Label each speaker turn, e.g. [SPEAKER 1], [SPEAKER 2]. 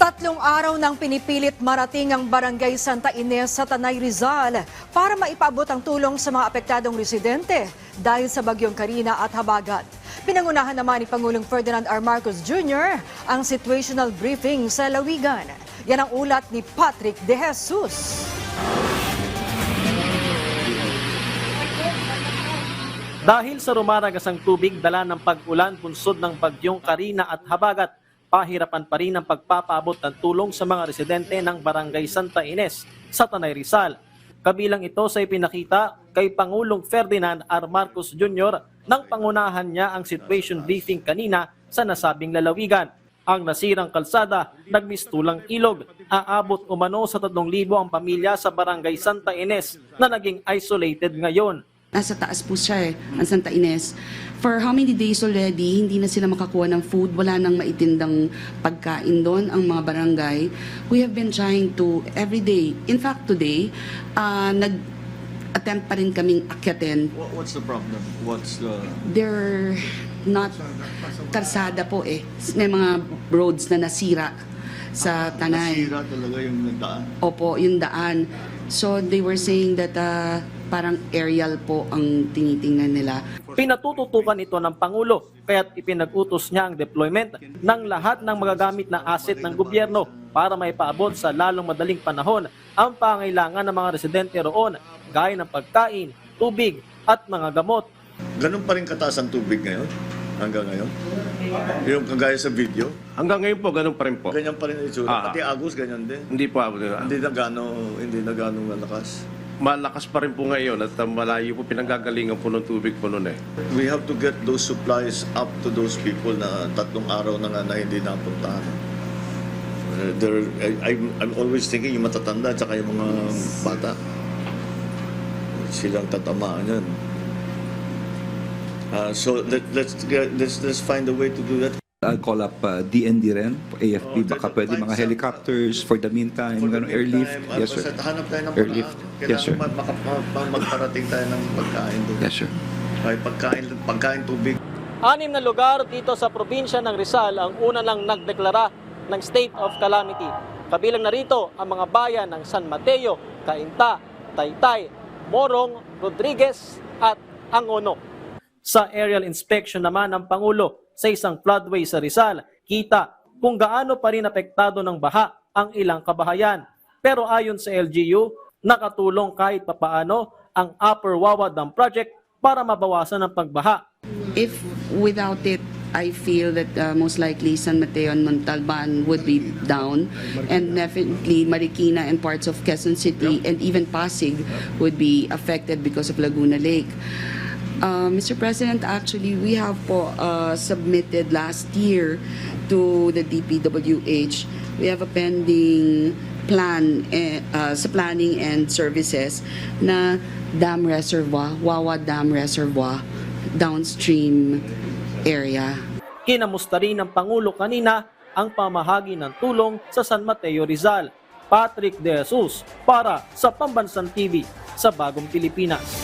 [SPEAKER 1] 3 araw nang pinipilit marating ang Barangay Santa Ines sa Tanay Rizal para maipaabot ang tulong sa mga apektadong residente dahil sa bagyong Carina at Habagat. Pinangunahan naman ni Pangulong Ferdinand R. Marcos Jr. ang situational briefing sa Lawigan. Yan ang ulat ni Patrick De Jesus.
[SPEAKER 2] Dahil sa rumaragasang tubig dala ng pag-ulan bunsod ng bagyong Carina at Habagat, pahirapan pa rin ang pagpapaabot ng tulong sa mga residente ng Barangay Santa Ines sa Tanay Rizal. Kabilang ito sa ipinakita kay Pangulong Ferdinand R. Marcos Jr. nang pangunahan niya ang situation briefing kanina sa nasabing lalawigan. Ang nasirang kalsada, nagmistulang ilog, aabot umano sa 3,000 ang pamilya sa Barangay Santa Ines na naging isolated ngayon.
[SPEAKER 3] Nasa taas po siya ang Santa Ines. For how many days already, hindi na sila makakuha ng food, wala nang maitindang pagkain doon ang mga barangay. We have been trying to every day. In fact, today, nag-attempt pa rin kaming akyatin.
[SPEAKER 4] What's the problem?
[SPEAKER 3] They're not karsada po May mga roads na nasira sa Tanay.
[SPEAKER 4] Nasira talaga yung daan?
[SPEAKER 3] Opo, yung daan. So they were saying that parang aerial po ang tinitingnan nila.
[SPEAKER 2] Pinatututukan ito ng Pangulo kaya't ipinag-utos niya ang deployment ng lahat ng magagamit na asset ng gobyerno para maipaabot sa lalong madaling panahon ang pangailangan ng mga residente roon gaya ng pagkain, tubig at mga gamot.
[SPEAKER 4] Ganun pa rin kataas ang tubig ngayon? Hanggang ngayon? Yung kagaya sa video?
[SPEAKER 5] Hanggang ngayon po, ganun pa rin po.
[SPEAKER 4] Ganyan pa rin ang itsura. Pati Agus, ganyan din.
[SPEAKER 5] Hindi po.
[SPEAKER 4] Hindi na gano'ng malakas.
[SPEAKER 5] Malakas pa rin po ngayon at malayo po pinanggagalingan po ng tubig po noon
[SPEAKER 4] We have to get those supplies up to those people na 3 araw na nga na hindi napuntahan. I'm always thinking yung matatanda at saka yung mga bata. Silang tatamaan yan. So let's find a way to do that.
[SPEAKER 6] I'll call up DND rin, AFP, baka pwede mga helicopters for the meantime, airlift. Yes, sir.
[SPEAKER 4] Hanap tayo ng
[SPEAKER 6] Airlift. Yes, sir.
[SPEAKER 4] Kailangan magparating tayo ng pagkain doon.
[SPEAKER 6] Yes, sir.
[SPEAKER 4] Ay, pagkain, tubig.
[SPEAKER 2] 6 na lugar dito sa probinsya ng Rizal ang una lang nagdeklara ng state of calamity. Kabilang na rito ang mga bayan ng San Mateo, Cainta, Taytay, Morong, Rodriguez at Angono. Sa aerial inspection naman ng Pangulo sa isang floodway sa Rizal, kita kung gaano pa rin apektado ng baha ang ilang kabahayan. Pero ayon sa LGU, nakatulong kahit papaano ang Upper Wawa Dam Project para mabawasan ang pagbaha.
[SPEAKER 3] If without it, I feel that most likely San Mateo and Montalban would be down, and definitely Marikina and parts of Quezon City and even Pasig would be affected because of Laguna Lake. Mr. President, actually, we have submitted last year to the DPWH. We have a pending plan sa planning and services na dam reservoir, Wawa Dam Reservoir, downstream area.
[SPEAKER 2] Kinamusta rin ng Pangulo kanina ang pamahagi ng tulong sa San Mateo Rizal. Patrick De Jesus para sa Pambansang TV sa Bagong Pilipinas.